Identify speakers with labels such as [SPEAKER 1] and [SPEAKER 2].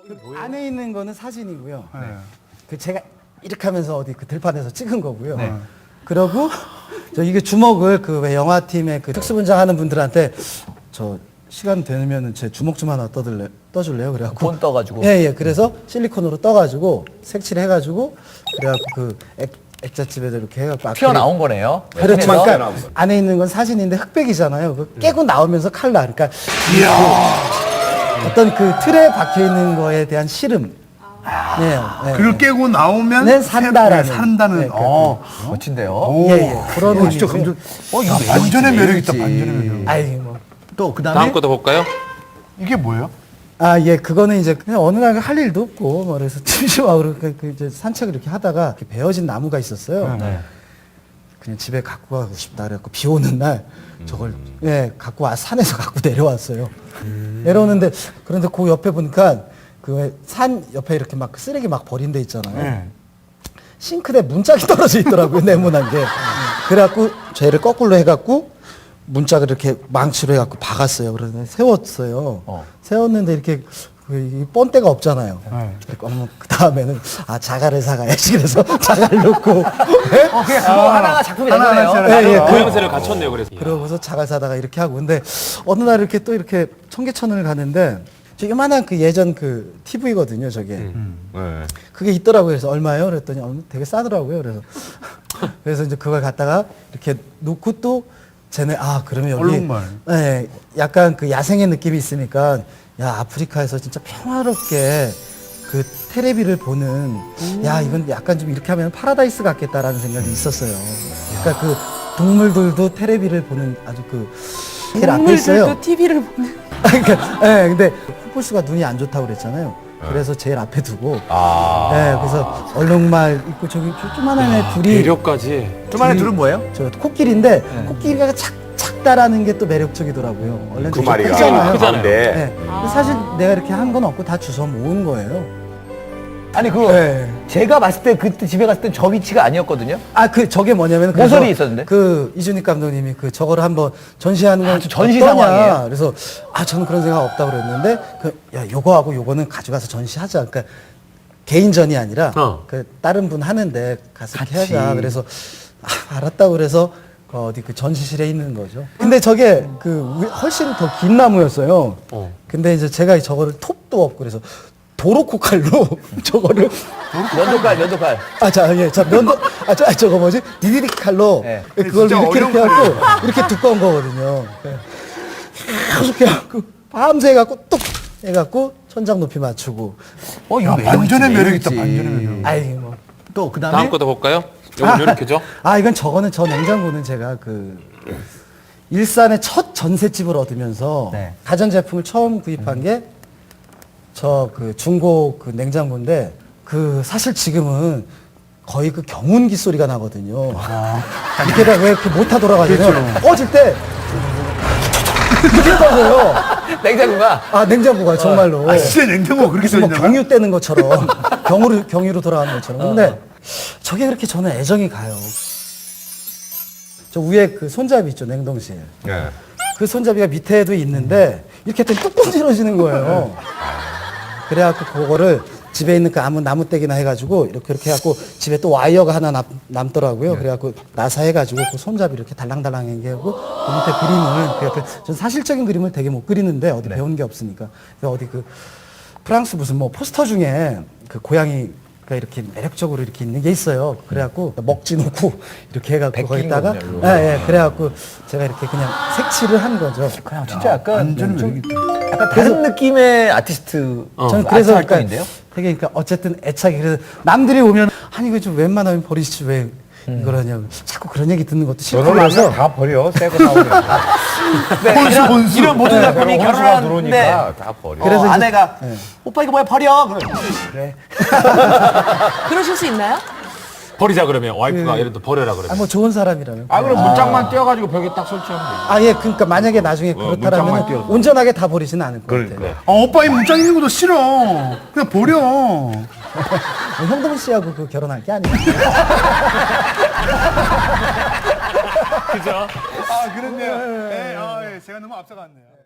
[SPEAKER 1] 안에 있는 거는 사진이고요. 그 제가 이렇게 하면서 어디 그 들판에서 찍은 거고요. 그러고 저 이게 주먹을 그 왜 영화팀의 그 특수분장 하는 분들한테 저 시간 되면은 제 주먹 좀 하나 떠줄래요? 그래갖고
[SPEAKER 2] 본 떠가지고.
[SPEAKER 1] 예. 그래서 실리콘으로 떠가지고 색칠 해가지고 그래갖고 그 액자집에다 이렇게 해갖고
[SPEAKER 2] 튀어나온 거네요.
[SPEAKER 1] 그렇죠.
[SPEAKER 2] 틴에서.
[SPEAKER 1] 그러니까 안에 있는 건 사진인데 흑백이잖아요. 그 깨고 나오면서 칼라. 그러니까 그 어떤 그 틀에 박혀 있는 거에 대한 실험. 네.
[SPEAKER 3] 그걸 깨고 나오면
[SPEAKER 1] 네, 산다라는.
[SPEAKER 3] 산다는.
[SPEAKER 1] 네,
[SPEAKER 2] 멋진데요.
[SPEAKER 1] 예. 그런
[SPEAKER 3] 진짜
[SPEAKER 1] 의미고요.
[SPEAKER 3] 감정. 반전의 매력 있다. 반전의 매력.
[SPEAKER 1] 아이 뭐.
[SPEAKER 3] 또 그다음에
[SPEAKER 4] 다음 것도 볼까요?
[SPEAKER 3] 이게 뭐예요?
[SPEAKER 1] 아, 예, 그거는 이제 그냥 어느 날 할 일도 없고, 뭐, 그래서 심심하고, 그 이제 산책을 이렇게 하다가 이렇게 베어진 나무가 있었어요. 그냥 집에 갖고 가고 싶다. 그래갖고 비 오는 날 저걸, 예, 갖고 산에서 갖고 내려왔어요. 내려오는데, 그런데 그 옆에 보니까 그 산 옆에 이렇게 막 쓰레기 막 버린 데 있잖아요. 싱크대 문짝이 떨어져 있더라고요, 네모난 게. 그래갖고 쟤를 거꾸로 해갖고 문짝을 이렇게 망치로 해갖고 박았어요. 그래서 세웠어요. 세웠는데 이렇게 이 본때가 없잖아요. 그 다음에는 자갈을 사가야지. 그래서 자갈 넣고.
[SPEAKER 2] 그냥 그거 하나가 작품이 된 거네요.
[SPEAKER 4] 모양새를 갖췄네요. 그래서.
[SPEAKER 1] 그러고서 자갈 사다가 이렇게 하고. 근데 어느 날 이렇게 또 이렇게 청계천을 가는데 저 요만한 그 예전 그 TV거든요, 저게. 그게 있더라고요. 그래서 얼마예요? 그랬더니 되게 싸더라고요. 그래서 이제 그걸 갖다가 이렇게 놓고 또 쟤네 그러면 여기
[SPEAKER 3] 얼룩말.
[SPEAKER 1] 네, 약간 그 야생의 느낌이 있으니까 야 아프리카에서 진짜 평화롭게 그 테레비를 보는 야 이건 약간 좀 이렇게 하면 파라다이스 같겠다라는 생각이 있었어요. 그러니까 그 동물들도 테레비를 보는 아주 그 제일 앞에 있어요.
[SPEAKER 5] 동물들도 TV를 보는.
[SPEAKER 1] 그러니까 근데 후보수가 눈이 안 좋다고 그랬잖아요. 그래서 제일 앞에 두고 그래서 얼룩말 있고 저기 조그만한 애 둘이
[SPEAKER 4] 배려까지.
[SPEAKER 3] 좀 안에 둘은 뭐예요?
[SPEAKER 1] 저 코끼리인데 코끼리가 작다라는 게 또 매력적이더라고요. 원래
[SPEAKER 6] 그 마리가
[SPEAKER 1] 크잖아요.
[SPEAKER 4] 크잖아요.
[SPEAKER 1] 네. 근데 사실 내가 이렇게 한 건 없고 다 주워 모은 거예요.
[SPEAKER 2] 아니 제가 봤을 때 그때 집에 갔을 때 저 위치가 아니었거든요.
[SPEAKER 1] 저게 뭐냐면
[SPEAKER 2] 모서리 있었는데?
[SPEAKER 1] 그 이준익 감독님이 저거를 한번 전시하는 건
[SPEAKER 2] 전시
[SPEAKER 1] 어떠냐.
[SPEAKER 2] 상황이에요?
[SPEAKER 1] 그래서 저는 그런 생각 없다고 그랬는데 요거하고 요거는 가져가서 전시하자. 그러니까 개인전이 아니라 그 다른 분 하는데 가서 이렇게 하자. 그래서 알았다고 그래서 어디 그 전시실에 있는 거죠. 근데 저게 훨씬 더 긴 나무였어요. 근데 이제 제가 저거를 톱도 없고 그래서 도로코 칼로 저거를
[SPEAKER 2] 면도칼.
[SPEAKER 1] 저거 뭐지? 디디리 칼로 그걸 이렇게 해갖고 이렇게 두꺼운 거거든요. 이렇게 해갖고 밤새 해갖고 뚝 해갖고 천장 높이 맞추고.
[SPEAKER 2] 이거
[SPEAKER 3] 반전의 매력 있다. 반전의 매력.
[SPEAKER 1] 또 그다음에
[SPEAKER 4] 다음 것도 볼까요? 이건 이렇게죠?
[SPEAKER 1] 이건 저 냉장고는 제가 일산의 첫 전셋집을 얻으면서 가전제품을 처음 구입한 게 중고 냉장고인데 사실 지금은 거의 경운기 소리가 나거든요. 이렇게다 왜 이렇게 모터 돌아가냐면 꺼질 때 이렇게 꺼져요. 냉장고가 정말로.
[SPEAKER 3] 진짜 냉장고가 그렇게
[SPEAKER 1] 뭐
[SPEAKER 3] 소리나요?
[SPEAKER 1] 경유 떼는 것처럼 경유로 돌아가는 것처럼. 근데 저게 그렇게 저는 애정이 가요. 저 위에 손잡이 있죠, 냉동실. 그 손잡이가 밑에도 있는데 이렇게 했더니 뚝뚝 떨어지는 거예요. 그래갖고 그거를 집에 있는 그 아무 나무떼기나 해가지고 이렇게 해갖고 집에 또 와이어가 하나 남더라고요. 그래갖고 나사 해가지고 그 손잡이 이렇게 달랑달랑하게 하고 그 밑에 그림을 전 사실적인 그림을 되게 못 그리는데 어디 배운 게 없으니까 어디 프랑스 무슨 포스터 중에 고양이가 이렇게 매력적으로 이렇게 있는 게 있어요. 그래갖고 먹지 놓고 이렇게 해갖고 거기다가 그래갖고 제가 이렇게 그냥 색칠을 한 거죠.
[SPEAKER 2] 그냥 진짜 약간
[SPEAKER 3] 반전의
[SPEAKER 2] 다른 느낌의 아티스트.
[SPEAKER 1] 저는 그래서
[SPEAKER 2] 활동인데요.
[SPEAKER 1] 되게 어쨌든 애착이 그래서 남들이 오면 이거 좀 웬만하면 버리시지 왜 이걸 하냐고 자꾸 그런 얘기 듣는 것도 싫고 그래서
[SPEAKER 6] 다 버려. 새거 나오니까.
[SPEAKER 3] 혼수.
[SPEAKER 2] 이런 모든 작품이 결혼하는데
[SPEAKER 6] 들어오니까 다 버려.
[SPEAKER 1] 그래서 이제-
[SPEAKER 2] 아내가 오빠 이거 뭐야 버려. 그래.
[SPEAKER 5] 그러실 수 있나요?
[SPEAKER 4] 버리자 그러면 와이프가 예를 들어 버려라 그러면.
[SPEAKER 1] 뭐 좋은 사람이라면.
[SPEAKER 6] 그럼 문짝만 떼어가지고 벽에 딱 설치하면 돼.
[SPEAKER 1] 그러니까 만약에 나중에
[SPEAKER 6] 문짝만
[SPEAKER 1] 그렇다면
[SPEAKER 6] 띄워서.
[SPEAKER 1] 온전하게 다 버리지는 않을 것 같아요.
[SPEAKER 3] 오빠 이 문짝 있는 것도 싫어. 그냥 버려.
[SPEAKER 1] 형동 씨하고 결혼할 게 아니에요.
[SPEAKER 4] 그죠?
[SPEAKER 3] 그렇네요. 제가 너무 앞서갔네요.